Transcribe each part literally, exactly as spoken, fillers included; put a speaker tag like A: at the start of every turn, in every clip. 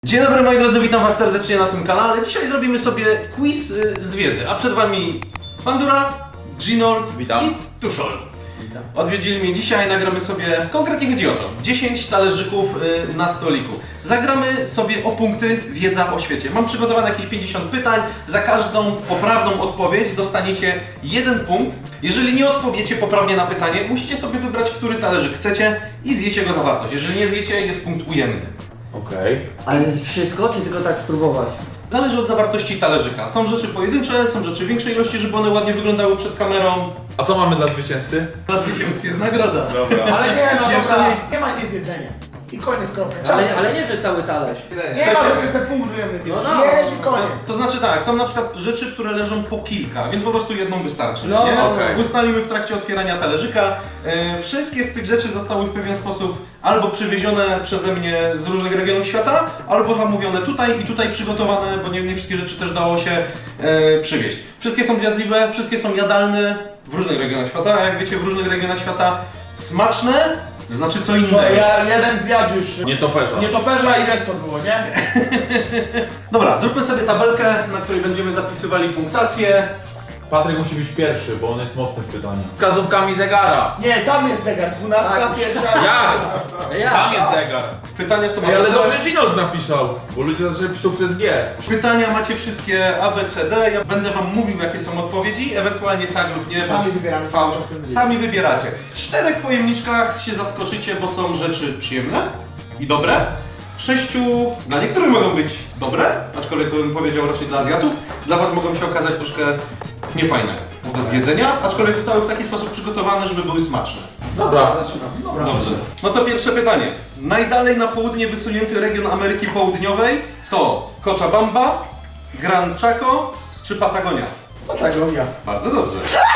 A: Dzień dobry moi drodzy, witam was serdecznie na tym kanale. Dzisiaj zrobimy sobie quiz y, z wiedzy, a przed wami Pandura, Ginold
B: Witam.
A: i Tuszol. Odwiedzili mnie dzisiaj, nagramy sobie, konkretnie chodzi o to, dziesięć talerzyków y, na stoliku. Zagramy sobie o punkty wiedza o świecie. Mam przygotowane jakieś pięćdziesiąt pytań, za każdą poprawną odpowiedź dostaniecie jeden punkt. Jeżeli nie odpowiecie poprawnie na pytanie, musicie sobie wybrać, który talerzyk chcecie i zjeść jego zawartość. Jeżeli nie zjecie, jest punkt ujemny.
B: Okej. Okay.
C: Ale wszystko, czy tylko tak spróbować?
A: Zależy od zawartości talerzyka. Są rzeczy pojedyncze, są rzeczy większej ilości, żeby one ładnie wyglądały przed kamerą.
B: A co mamy dla zwycięzcy?
A: Dla zwycięzcy jest nagroda.
B: Dobra.
D: Ale nie, no
A: Pierwsze
D: dobra,
A: miejsce.
D: nie ma nic jedzenia. I koniec, kropka. Czas.
C: Ale, ale nie, że cały talerz.
D: Nie ma, że ty se punkt ujemny bierz.
C: No, no.
D: Jesz i koniec.
A: To znaczy tak, są na przykład rzeczy, które leżą po kilka, więc po prostu jedną wystarczy.
C: No,
A: nie?
B: okej.
A: Ustalimy w trakcie otwierania talerzyka. E, wszystkie z tych rzeczy zostały w pewien sposób albo przywiezione przeze mnie z różnych regionów świata, albo zamówione tutaj i tutaj przygotowane, bo nie, nie wszystkie rzeczy też dało się e, przywieźć. Wszystkie są zjadliwe, wszystkie są jadalne w różnych regionach świata, a jak wiecie, w różnych regionach świata smaczne znaczy co
D: Co,
A: innego.
D: ja jeden zjadł już
B: Nie toperza.
D: nietoperza i wiesz co było, nie?
A: Dobra, zróbmy sobie tabelkę, na której będziemy zapisywali punktację.
B: Patryk musi być pierwszy, bo on jest mocny w pytaniu. Wskazówkami zegara.
D: Nie, tam jest zegar, dwunastka,
C: Tak.
D: pierwsza.
B: Jak?
C: Ja.
B: Tam jest zegar.
A: Pytania są
B: Ej, ale
A: A B C D.
B: dobrze Ginold napisał, bo ludzie zawsze piszą przez G.
A: Pytania macie wszystkie A, B, C, D. Ja będę wam mówił, jakie są odpowiedzi, ewentualnie tak lub nie.
D: Sami
A: bądź
D: wybieramy,
A: fałsz.
D: sami czasem
A: Sami wybieracie. W czterech pojemniczkach się zaskoczycie, bo są rzeczy przyjemne i dobre. W sześciu dla niektórych mogą być dobre, aczkolwiek to bym powiedział raczej dla Azjatów. Dla was mogą się okazać troszkę niefajne do zjedzenia, aczkolwiek zostały w taki sposób przygotowane, żeby były smaczne.
B: Dobra.
D: Zaczynam. Dobra.
A: Dobrze. No to pierwsze pytanie. Najdalej na południe wysunięty region Ameryki Południowej to Cochabamba, Gran Chaco czy Patagonia?
D: Patagonia.
A: Bardzo dobrze.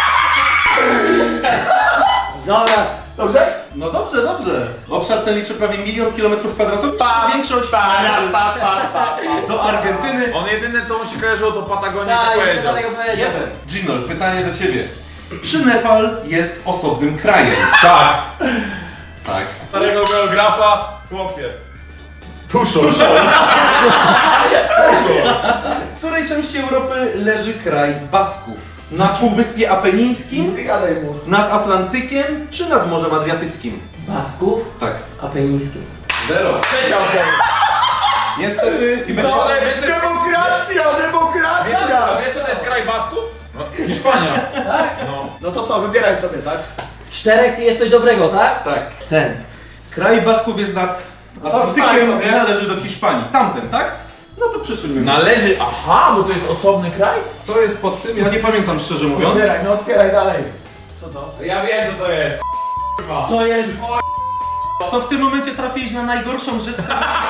C: Dobra.
D: Dobrze?
A: No dobrze, dobrze. Obszar ten liczy prawie milion kilometrów kwadratowych.
D: Pa,
A: Większość
D: Pa, pa, pa, pa, pa.
A: do Argentyny.
B: On jedyne co mu się kojarzyło to Patagonia
C: Tak,
B: tak
C: ja
B: powiedział.
C: tego powiedział.
A: Jeden. Ginol, pytanie do ciebie. Czy Nepal jest osobnym krajem?
B: Tak.
A: Tak.
B: Starego geografa, chłopie. Tuszol.
A: W której części Europy leży kraj Basków? Na Półwyspie Apenińskim,
D: Nic nie gadaj mu.
A: nad Atlantykiem czy nad Morzem Adriatyckim?
C: Basków,
A: Tak.
C: apenińskich.
A: Zero.
B: Trzecia ocena.
A: Niestety i będzie...
B: Co? Ale wiesz, to-
D: Demokracja,
B: Wiesz,
D: demokracja!
B: a wiesz co to jest kraj Basków? No, Hiszpania.
C: Tak?
B: No.
D: No to co, wybieraj sobie, tak?
C: Czterech jest coś dobrego, tak?
A: Tak.
C: Ten.
A: Kraj Basków jest nad
D: wstań
A: Atlantykiem
D: sobie.
A: i należy do Hiszpanii. Tamten, tak? No to przesuńmy.
B: Należy, aha, bo to jest osobny kraj?
A: Co jest pod tym? Ja nie pamiętam szczerze mówiąc.
D: Otwieraj, no otwieraj dalej. Co to?
B: Ja wiem co to jest.
C: To jest...
A: To w tym momencie trafiłeś na najgorszą rzecz.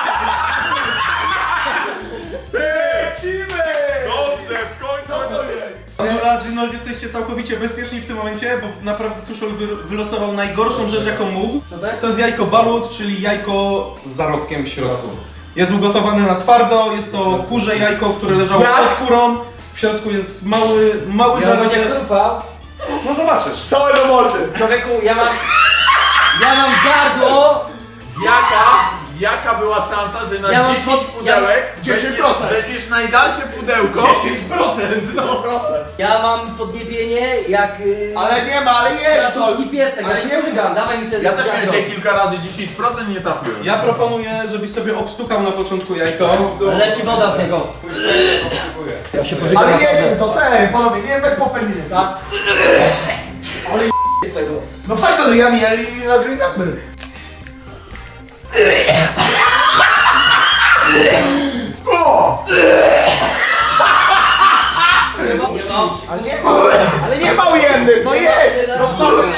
D: Lecimy!
B: Dobrze, w końcu.
D: Co to jest?
A: Dobra, Ginold, jesteście całkowicie bezpieczni w tym momencie, bo naprawdę Tuszol wy wylosował najgorszą rzecz, jaką mógł.
D: Co to jest?
A: To jest jajko balut, czyli jajko z zarodkiem w środku. Jest ugotowane na twardo, jest to kurze jajko, które leżało
C: Jak?
A: pod kurą. W środku jest mały, mały
C: Ja będzie
A: zarodek.
C: chrupał.
A: No zobaczysz.
D: Całe do mordy!
C: Człowieku, ja mam... Ja mam gardło.
B: Jaka, jaka była szansa, że na
C: Ja mam
B: dziesięć
C: pod-
B: pudełek
D: dziesięć
B: weźmiesz-
D: procent.
B: weźmiesz najdalsze pudełko?
A: dziesięć procent!
D: sto procent.
C: Ja mam podniebienie jak... Yy...
D: Ale nie ma, ale jesz to!
C: Ratunki piesek,
D: Ale
C: ja się
D: nie
C: pożygam, dawaj mi ten
B: Ja też miałem
C: gardło.
B: dzisiaj kilka razy dziesięć procent nie trafiłem.
A: Ja proponuję, żebyś sobie obstukał na początku jajko.
C: Leci woda z niego. Ja się pożygam.
D: Ale jedźmy, to serio, panowie, nie bez popeliny, tak?
C: z tego.
D: No fajnie do ryjami, ale nie nagryzamy. O!
C: Nie ma.
D: Ale nie ma, ale nie ma ujemnych, no jedź! No wsadzę,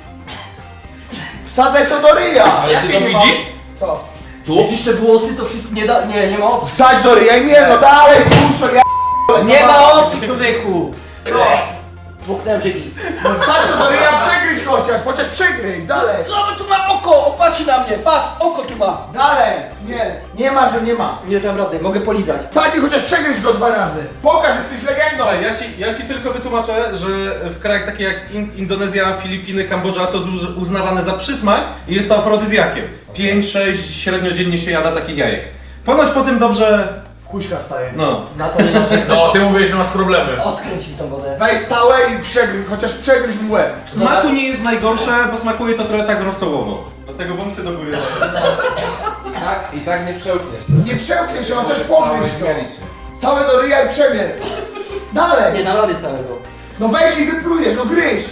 D: wsadzę to do ryja!
B: Ale ty
D: Jakie
B: to
D: nie ma?
B: widzisz?
D: Co?
B: Tu?
C: Widzisz te włosy, to wszystko nie da... Nie, nie ma opcji.
D: Wsadź do ryja i nie, no dalej, puszczę, ja...
C: Nie ma opcji, człowieku! Dmuchnąłem żygi.
D: No wsadź to do ryja, przegryź chociaż, chociaż przegryź, dalej!
C: Zobacz, tu ma oko! Opatrzy na mnie! Patrz, oko tu ma!
D: Dalej! Nie, nie ma, że nie ma.
C: Nie dam rady, mogę polizać.
D: Wsadź i chociaż przegryź go dwa razy. Pokaż, jesteś legendą!
A: Słuchaj, ja ci, ja ci tylko wytłumaczę, że w krajach takich jak In Indonezja, Filipiny, Kambodża to z uznawane za przysmak i jest to afrodyzjakiem. pięć sześć średnio dziennie się jada takich jajek. Ponoć po tym dobrze...
D: Kuśka staje.
A: No.
C: Na to nie narzekam.
B: No, ty mówisz, że masz problemy.
C: Odkręć mi tą wodę.
D: Weź całe i przegryź, chociaż przegryź mu łeb.
A: W smaku nie jest najgorsze, bo smakuje to trochę tak rosołowo. Dlatego wąsy do góry dają.
E: Tak, i tak nie przełkniesz.
D: Nie przełknij się, chociaż pomyśl to. Całe do ryja i przemier. Dalej.
C: Nie dam rady całego.
D: No weź i wyplujesz, no gryź.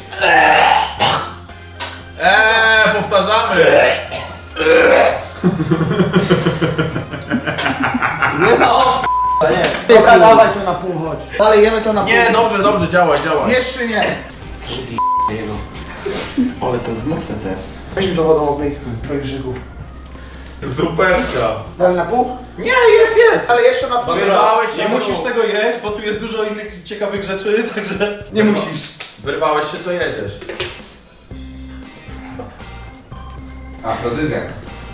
B: Eee, powtarzamy.
C: Nie ma opcji. Nie.
D: Dobra, dawaj to na pół, chodź. Dalej jemy to na pół.
B: Nie, dobrze, dobrze, działaj, działaj.
D: Jeszcze nie. Jego. Ale to jest mocne to jest. Weź mi to wodą obmyj twoich żyków.
B: Superszka.
D: Dalej na pół?
B: Nie, jedz, jedz.
D: Ale jeszcze na pół.
B: Wyrwałeś się,
A: Nie musisz
B: no.
A: tego jeść, bo tu jest dużo innych ciekawych rzeczy, także nie musisz.
B: Wyrwałeś się, to jedziesz.
E: Afrodyzjak.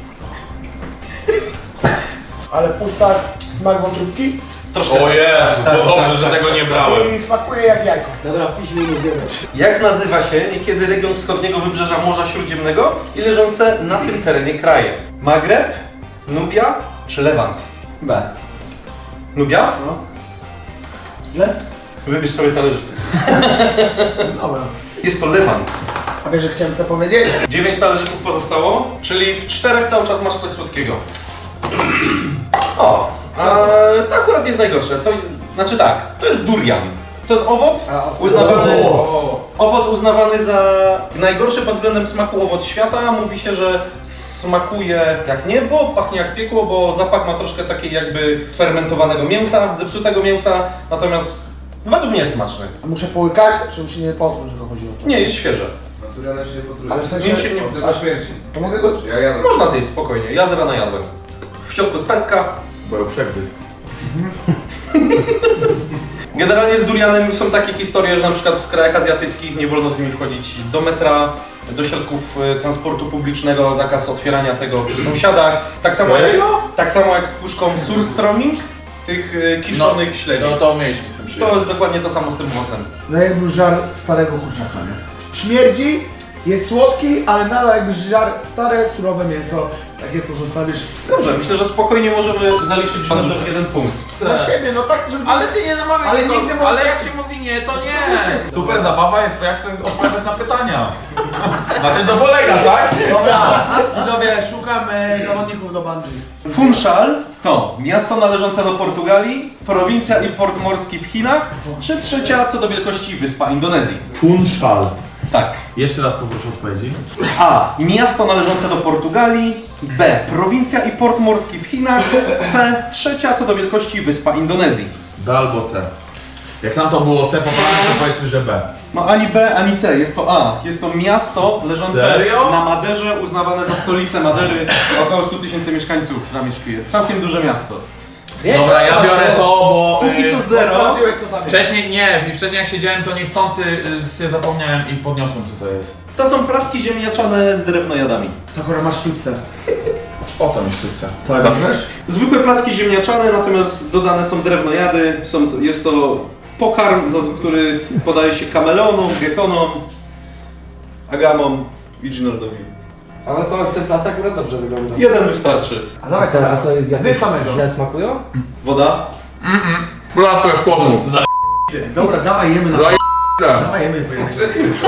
D: Ale w ustach smak wątróbki
A: Troszkę.
B: O Jezu,
A: Tak,
B: to dobrze,
A: tak,
B: że
A: tak.
B: tego nie brałem.
D: i smakuje jak jajko.
C: Dobra, piśmy i zjemy.
A: Jak nazywa się niekiedy region wschodniego wybrzeża Morza Śródziemnego i leżące na tym terenie kraje? Magreb, Nubia czy Lewant?
D: B.
A: Nubia?
D: No. Źle?
A: Wybierz sobie talerzyk.
D: Dobra.
A: Jest to Lewant.
D: A wiesz, że chciałem co powiedzieć?
A: Dziewięć talerzyków pozostało, czyli w czterech cały czas masz coś słodkiego. O, a, to akurat nie jest najgorsze. To, znaczy tak, to jest durian. To jest owoc uznawany, owoc uznawany za najgorszy pod względem smaku owoc świata. Mówi się, że smakuje jak niebo, pachnie jak piekło, bo zapach ma troszkę takiej jakby fermentowanego mięsa, zepsutego mięsa, natomiast według mnie jest smaczny.
D: A muszę połykać, żebym się nie potruł, że chodzi o to.
A: Nie, jest świeże.
E: Naturalne się potrudzi.
D: Ale w sensie...
A: Nic się nie-
E: Od tego śmierci.
D: To mogę go...
E: Ja jadę.
A: Można zjeść spokojnie, ja z rana jadłem. W środku jest pestka.
B: Bo ją przegryzł.
A: Generalnie z durianem są takie historie, że na przykład w krajach azjatyckich nie wolno z nimi wchodzić do metra, do środków e, transportu publicznego, zakaz otwierania tego przy sąsiadach. Tak samo, jak,
B: Serio?
A: tak samo jak z puszką surströmming, tych e, kiszonych śledzi.
B: No to mieliśmy z tym
A: To
B: przyjemność.
A: jest dokładnie to samo z tym owocem.
D: No jakby żar starego kurczaka, nie? Śmierdzi, jest słodki, ale nadal jakby żar stare, surowe mięso, takie co zostawisz
A: Dobrze, myślę, że spokojnie możemy zaliczyć panu jeden punkt.
D: dla siebie, no tak, żeby...
B: Ale ty nie namawiaj
D: Ale
B: tego,
D: nigdy może-
B: ale jak się mówi nie, to nie.
D: Spróbujcie
B: Super zabawa jest, to ja chcę odpowiadać na pytania. Na tym to polega, tak?
D: Dobra, widzowie, szukam e, zawodników do bungee.
A: Funchal to miasto należące do Portugalii, prowincja i port morski w Chinach, czy trzecia co do wielkości wyspa Indonezji?
B: Funchal.
A: Tak.
B: Jeszcze raz poproszę odpowiedzi.
A: A. Miasto należące do Portugalii. B. Prowincja i port morski w Chinach. C. Trzecia co do wielkości wyspa Indonezji.
B: B albo C. Jak nam to było C poprawne, to powiedzmy, że B.
A: No ani B, ani C. Jest to A. Jest to miasto leżące
B: Serio?
A: na Maderze, uznawane za stolicę Madery. Około sto tysięcy mieszkańców zamieszkuje. Całkiem duże miasto.
C: Wiesz,
B: Dobra, ja biorę to, bo...
A: Póki
B: y,
A: co zero.
D: Sprawdziłeś to tam jest.
B: Wcześniej nie, wcześniej jak siedziałem to niechcący y, się zapomniałem i podniosłem co to jest.
A: To są placki ziemniaczane z drewnojadami.
D: Akurat masz sztuczce.
B: Po co mi sztuce?
D: Co, wezmesz?
A: Zwykłe placki ziemniaczane, natomiast dodane są drewnojady. Są, jest to pokarm, za- który podaje się kameleonom, gekonom, agamom i dżinordowi.
E: Ale to ten plac akurat dobrze wygląda.
A: Jeden wystarczy.
D: A dawaj
C: A co, a co,
D: sobie.
C: jak
D: Zjedz samego.
C: źle smakują?
A: Woda.
B: Kulasko jak chłopnu.
D: Dobra, dawaj jemy na...
B: Za
D: Dawaj jemy, bo jemy.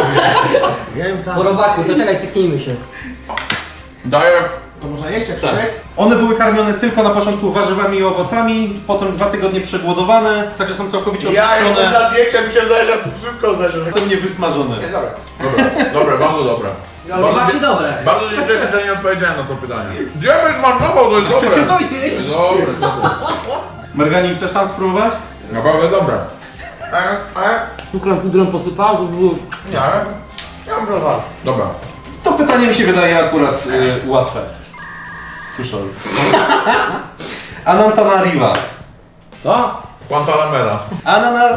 D: Jem tam.
C: Po robaku, to czekaj, cyknijmy się.
B: Daję...
D: To można jeść jak
A: Tak.
D: człowiek?
A: One były karmione tylko na początku warzywami i owocami, potem dwa tygodnie przegłodowane, także są całkowicie oczyszczone.
D: na diecie, mi się wydaje, że tu wszystko zeżre.
A: Są niewysmażone.
D: Nie, dobra.
B: Dobra, dobre, bardzo dobre. Bardzo,
C: Robaki
B: się,
C: dobre.
B: bardzo się cieszę, że nie odpowiedziałem na to pytanie. Gdzie byś marnował, to jest dobre.
A: Chcecie to jeść?
B: Dobre, dobre.
A: Mergani, chcesz tam spróbować?
B: Naprawdę dobre.
D: E, e,
C: Cukrem pudrem posypał, to było...
D: nie, ale... Ja bym rozwalał.
B: Dobra.
A: To pytanie mi się wydaje akurat y, łatwe. Tuszol. Anantanariva.
C: To?
B: Guantanamera.
A: Ananar...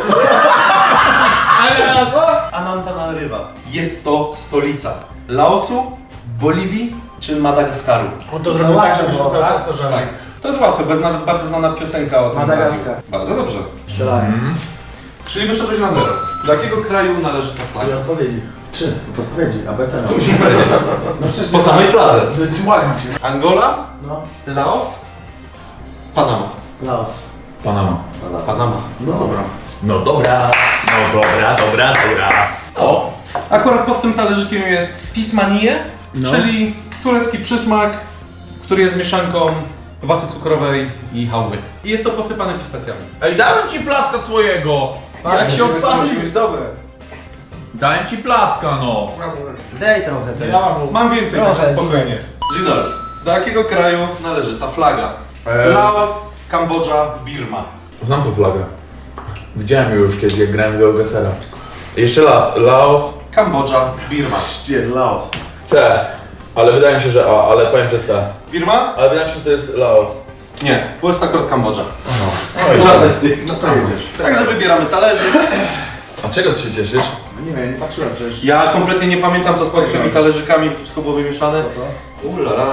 C: Ale to?
A: Anantanariva. Jest to stolica Laosu, Boliwii czy Madagaskaru.
D: On to zrobił tak, żebyśmy cały czas to żarli.
A: Tak. To jest łatwe, bo jest nawet bardzo znana piosenka o tym.
C: Madagaskar.
A: kraju. Bardzo dobrze.
C: Strzelałem.
A: Czyli wyszedłeś na zero. Do jakiego kraju należy ta flaga?
D: Ale odpowiedzi. Trzy. Podpowiedzi, A B C.
A: To musisz powiedzieć.
D: No przecież...
A: Po samej fladze.
D: No, błagam się.
A: Angola,
D: No.
A: Laos, Panama.
D: Laos.
B: Panama.
A: Panama.
D: No dobra.
B: No dobra. No dobra, dobra, dobra. O!
A: Akurat pod tym talerzykiem jest pismanie,
D: No.
A: czyli turecki przysmak, który jest mieszanką waty cukrowej i hałwy. I jest to posypane pistacjami.
B: Ej, dałem ci placka swojego!
A: Jak się odpalił?
E: dobre.
B: Dałem ci placka, no!
C: Daj trochę. Daj.
A: Mam więcej,
C: Proszę,
A: także spokojnie. Ginol, do jakiego kraju należy ta flaga?
B: Eee.
A: Laos, Kambodża, Birma.
B: Znam tą flagę. Widziałem ją już kiedyś, jak grałem w Geogesera. Jeszcze raz, Laos,
A: Kambodża, Birma.
D: Gdzie jest Laos?
B: C. Ale wydaje mi się, że A, ale powiem, że C.
A: Birma?
B: Ale wydaje mi się, że to jest Laos.
A: Nie, bo jest akurat Kambodża.
B: Oj,
A: Żadne z tych.
D: No to jedziesz.
A: Także wybieramy talerzyk.
B: A czego ty się cieszysz?
D: No nie wiem, nie patrzyłem przecież.
A: Ja kompletnie nie pamiętam, co z pod tymi talerzykami wszystko było wymieszane. Ulala.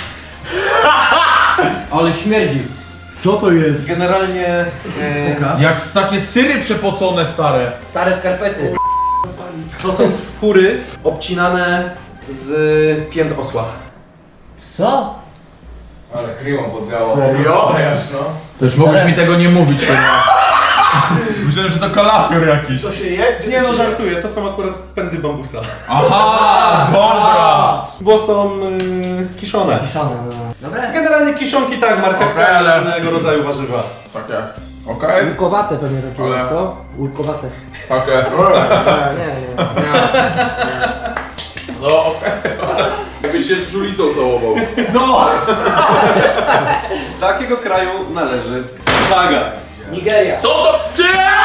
C: Ale śmierdzi.
D: Co to jest?
A: Generalnie e,
D: Pokaż.
B: Jak takie syry przepocone stare.
C: Stare skarpety.
A: to są skóry obcinane z pięt osła.
C: Co?
E: Ale krymą podbiało.
D: Serio?
E: no.
B: Też mogłeś mi tego nie mówić, chyba. Myślałem, że to kalafior jakiś.
D: Co się je?
A: Nie no, żartuję, to są akurat pędy bambusa.
B: Aha, dobra!
A: Bo są y, kiszone.
C: Kiszone, no. Dobra.
A: Generalnie kiszonki tak, marchewka
B: Okej, ale-
A: i innego rodzaju warzywa.
B: Takie. Okej?
C: Łukowate pewnie to
B: Ale-
C: jest, to? Łukowate.
B: Takie.
C: Nie, nie, nie. nie.
B: No okej. Jakbyś się z żulicą całował.
C: No!
A: Do jakiego kraju należy flaga?
C: Nigeria.
B: Co to? Ty!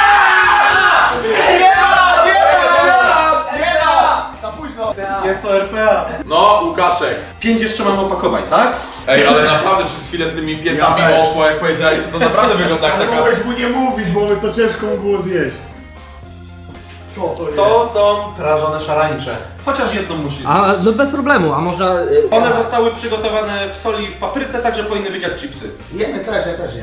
D: Nie ma! Nie ma! Nie ma! Nie ma! Za późno.
A: Jest to R P A.
B: No, Łukaszek.
A: Pięć jeszcze mam opakowań, tak?
B: Ej, ale naprawdę przez chwilę z tymi piętami
D: Ja też.
B: osła, jak powiedziałeś, to, to naprawdę wygląda jak
D: Ale
B: taka...
D: mogłeś mu nie mówić, bo by to ciężko mu było zjeść. Co to jest?
A: To są prażone szarańcze. Chociaż jedną musi zjeść.
C: A, no bez problemu, a może... y,
A: One zostały przygotowane w soli i w papryce, także powinny być jak chipsy.
D: Jemy też, ja też jem.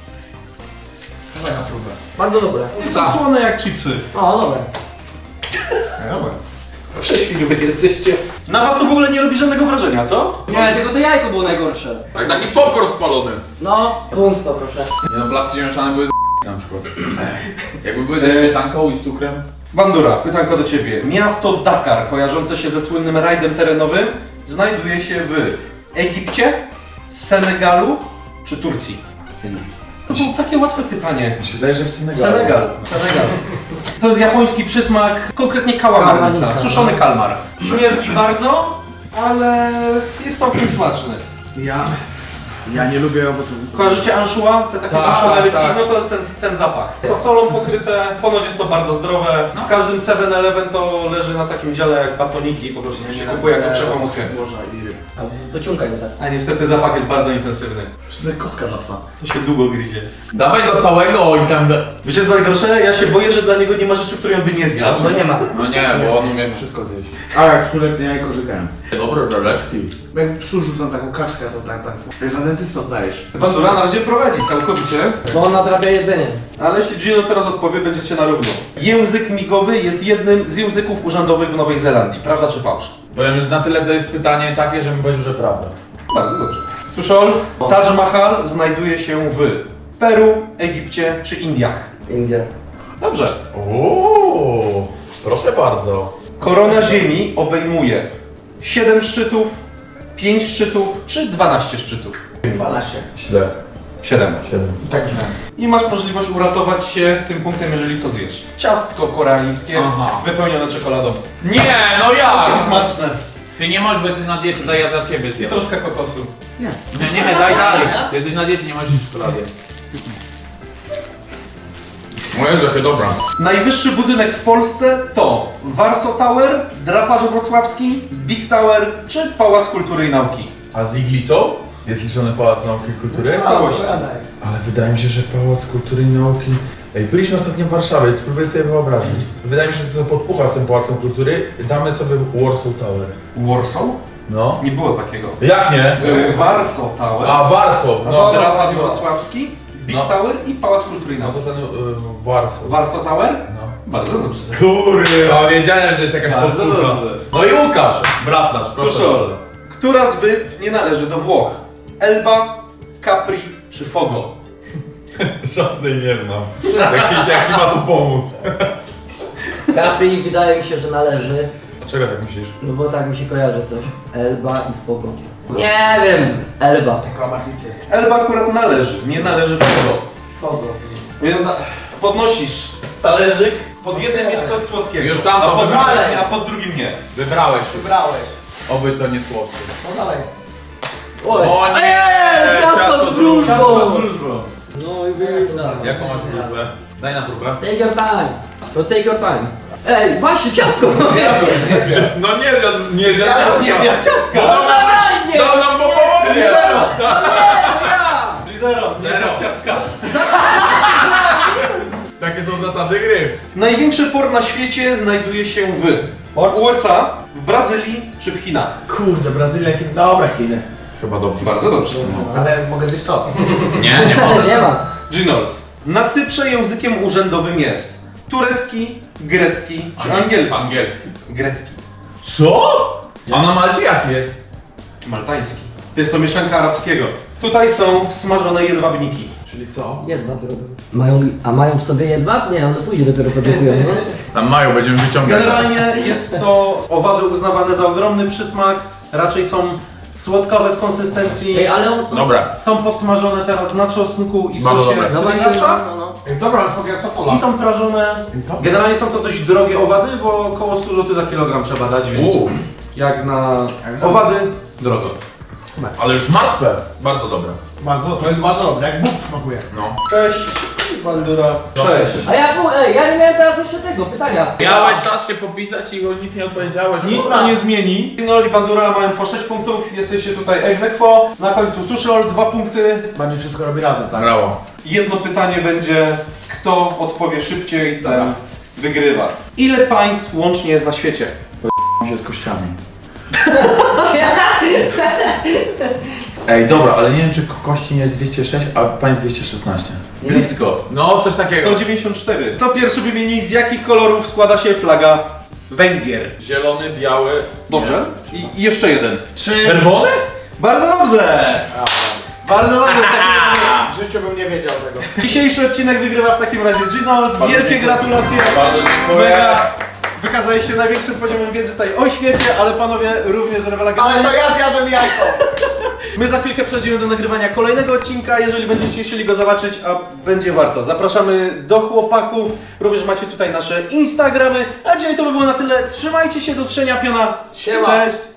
D: Dawaj na próbę.
C: Bardzo dobre.
A: Są słone jak chipsy.
C: O, dobre.
D: Dobra.
A: Prześwilły jesteście. Na was to w ogóle nie robi żadnego wrażenia, co?
C: Nie, tylko to jajko było najgorsze.
B: Jak taki popcorn spalony.
C: No, punkt poproszę.
B: Nie no, placki ziemniaczane były z na przykład. Jakby były ze śmietanką i z cukrem.
A: Bandura, pytanko do ciebie. Miasto Dakar, kojarzące się ze słynnym rajdem terenowym, znajduje się w Egipcie, Senegalu czy Turcji? To było takie łatwe pytanie.
B: Mi się wydaje, że w Senegalu.
A: Senegal. Senegal. To jest japoński przysmak, konkretnie kałamarnica,
C: Kałamarnica.
A: suszony kalmar. Śmierdzi bardzo, ale jest całkiem smaczny.
D: Ja... Ja nie lubię owoców.
A: Kojarzycie anchois? Te takie
B: Tak,
A: suszone
B: tak,
A: rybki?
B: tak.
A: No to jest ten, ten zapach. To solą pokryte, ponoć jest to bardzo zdrowe. W każdym seven eleven to leży na takim dziale jak batoniki, po prostu to się kupuje jako przekąskę.
D: Morza i ryb.
C: A dociągaj go tak.
A: A niestety zapach jest bardzo intensywny.
D: Wszystko kotka dla psa.
A: To się długo gryzie.
B: Dawaj go całego i tam...
A: Wiecie co najgorsze? Ja się boję, że dla niego nie ma rzeczy, której on by nie zjadł.
C: No nie ma.
B: No nie, bo on umie wszystko zjeść.
D: A jak stuletnie jajko żygałem.
B: Dobre żeleczki.
D: Jak psu rzucam taką kaczkę, to tak, tak. Jak za dentystę oddajesz.
A: Bandura na razie prowadzi całkowicie.
C: Bo on nadrabia jedzenie.
A: Ale jeśli Gino teraz odpowie, będziecie na równo. Język migowy jest jednym z języków urzędowych w Nowej Zelandii. Prawda czy fałsz?
B: Powiem, że na tyle to jest pytanie takie, że mi powiedział, że prawda.
A: Bardzo dobrze. Tuszol, Taj Mahal znajduje się w Peru, Egipcie czy Indiach.
C: India.
A: Dobrze.
B: Ooo, proszę bardzo.
A: Korona Ziemi obejmuje siedem szczytów, pięć szczytów czy dwanaście szczytów.
D: dwanaście.
B: Źle.
A: siedem.
B: Siedem.
D: Tak źle.
A: I masz możliwość uratować się tym punktem, jeżeli to zjesz. Ciastko koreańskie,
B: Aha.
A: wypełnione czekoladą.
B: Nie, no
A: Całkiem
B: ja!
A: smaczne.
B: Ty nie możesz, bo jesteś na diecie, daj ja za ciebie
A: I
B: zjem.
A: troszkę kokosu.
D: Nie.
B: Nie, nie, daj dalej. Ty jesteś na diecie, nie możesz jeść czekolady. Moje rzeczy, dobra.
A: Najwyższy budynek w Polsce to Warsaw Tower, Draparz Wrocławski, Big Tower czy Pałac Kultury i Nauki.
B: A z iglicą? Jest liczony Pałac Nauki i Kultury?
A: W całości.
B: Ale wydaje mi się, że Pałac Kultury i Nauki... Ej, byliśmy ostatnio w Warszawie, próbuję sobie wyobrazić. Wydaje mi się, że to podpucha z tym Pałacem Kultury. Damy sobie Warsaw Tower.
A: Warsaw?
B: No.
A: Nie było takiego.
B: Jak nie?
A: Yy, Warsaw Tower,
B: A, Warsaw, no.
D: No,
A: Draparz Wrocławski, Big
B: No.
A: Tower i Pałac Kultury i
B: No to
A: Nauki.
B: ten y, Warsaw.
A: Warsaw Tower?
B: No.
A: Bardzo dobrze.
B: Kurwa, wiedziałem, że jest jakaś
A: Bardzo
B: podpucha.
A: dobrze.
B: No i Łukasz, brat nasz, proszę
A: Tuszol.
B: bardzo.
A: Która z wysp nie należy do Włoch? Elba, Capri czy Fogo?
B: Żadnej nie znam. Jak ci, jak ci ma tu pomóc?
C: Capri wydaje mi się, że należy.
B: Dlaczego tak myślisz?
C: No bo tak mi się kojarzy coś. Elba i Fogo. Nie wiem. Elba.
D: Taka machnicy.
A: Elba akurat należy, nie należy Fogo.
D: Fogo.
A: Więc podnosisz talerzyk, pod jednym jest coś słodkiego,
B: Już tam
A: a,
B: to
A: pod drugim,
D: wybrałem.
A: a pod drugim nie.
B: Wybrałeś już.
D: Wybrałeś.
B: Oby to nie słodkie.
D: No dalej.
C: Oj.
B: O nie!
C: Eee, ciasto z wróżbą!
A: wróżbą.
C: No i wygrał.
B: Jaką masz próbę? Daj na próbę.
C: Take your time. To take your time. Ej, właśnie ciastko!
B: No nie zjadł, nie zjadł.
A: Nie zjadł ciastka!
C: No dawaj, nie!
B: Dał nam popołudnie!
C: Nie, ja!
A: Zero, nie
B: Zero.
A: zjadł ciastka.
B: Takie są zasady gry.
A: Największy port na świecie znajduje się w U S A, w Brazylii czy w Chinach?
D: Kurde, Brazylia, Chiny. Dobra, Chiny.
B: Chyba dobrze.
A: Bardzo dobrze.
D: Ale mogę zjeść to.
B: Nie, nie
C: Nie ma.
A: Ginold. Na Cyprze językiem urzędowym jest turecki, grecki czy angielski?
B: Angielski.
A: Grecki.
B: Co? A na Malcie jaki jest?
A: Maltański. Jest to mieszanka arabskiego. Tutaj są smażone jedwabniki.
D: Czyli co?
C: Jedwab robią. Mają, a mają w sobie jedwab? Nie, one później dopiero produkują, no.
B: Tam mają, będziemy wyciągać.
A: Generalnie jest to owady uznawane za ogromny przysmak. Raczej są słodkawe w konsystencji.
C: Ej, ale on...
B: Dobra.
A: Są podsmażone teraz na czosnku i
B: Bardzo
A: sosie
B: dobre.
C: No właśnie,
A: sriracha.
C: no, no.
D: Ej, dobra, smakuje jak fasola.
A: I są prażone. Generalnie są to dość drogie owady, bo około sto złotych za kilogram trzeba dać, więc
B: Uuu.
A: jak na owady, drogo.
B: Ale już martwe. Bardzo dobre.
D: Bardzo, to jest bardzo dobre, jak Bóg smakuje.
B: No.
A: Cześć, Bandura. Cześć.
C: A ja, pu- ej, ja nie miałem teraz jeszcze tego pytania.
B: Miałeś czas się popisać i nic nie odpowiedziałeś.
A: Nic to nie zmieni. Ginol i Bandura mają po sześć punktów, jesteście tutaj ex aequo. Na końcu Tuszol, dwa punkty.
D: Bardziej wszystko robi razem, tak?
B: Brawo.
A: Jedno pytanie będzie, kto odpowie szybciej, ten wygrywa. Ile państw łącznie jest na świecie?
B: się z kościami. Ej, dobra, ale nie wiem, czy ko- kości nie jest dwieście sześć, a państw dwieście szesnaście.
A: Blisko.
B: No, coś takiego.
A: sto dziewięćdziesiąt cztery. Kto pierwszy wymieni, z jakich kolorów składa się flaga Węgier?
B: Zielony, biały.
A: Dobrze. I, i jeszcze jeden. Czy...
B: Czerwony?
A: Bardzo dobrze! Bardzo dobrze w takim razie.
D: W życiu bym nie wiedział tego.
A: Dzisiejszy odcinek wygrywa w takim razie Ginold. Wielkie
B: dziękuję.
A: gratulacje.
B: Bardzo dziękuję.
A: Mega. Wykazałeś się największym poziomem wiedzy tutaj o świecie, ale panowie również rewelacyjnie.
D: Ale to ja zjadłem jajko!
A: My za chwilkę przejdziemy do nagrywania kolejnego odcinka, jeżeli będziecie chcieli go zobaczyć, a będzie warto. Zapraszamy do chłopaków, również macie tutaj nasze Instagramy, a dzisiaj to by było na tyle. Trzymajcie się, do trzenia piona.
D: Siema.
A: Cześć!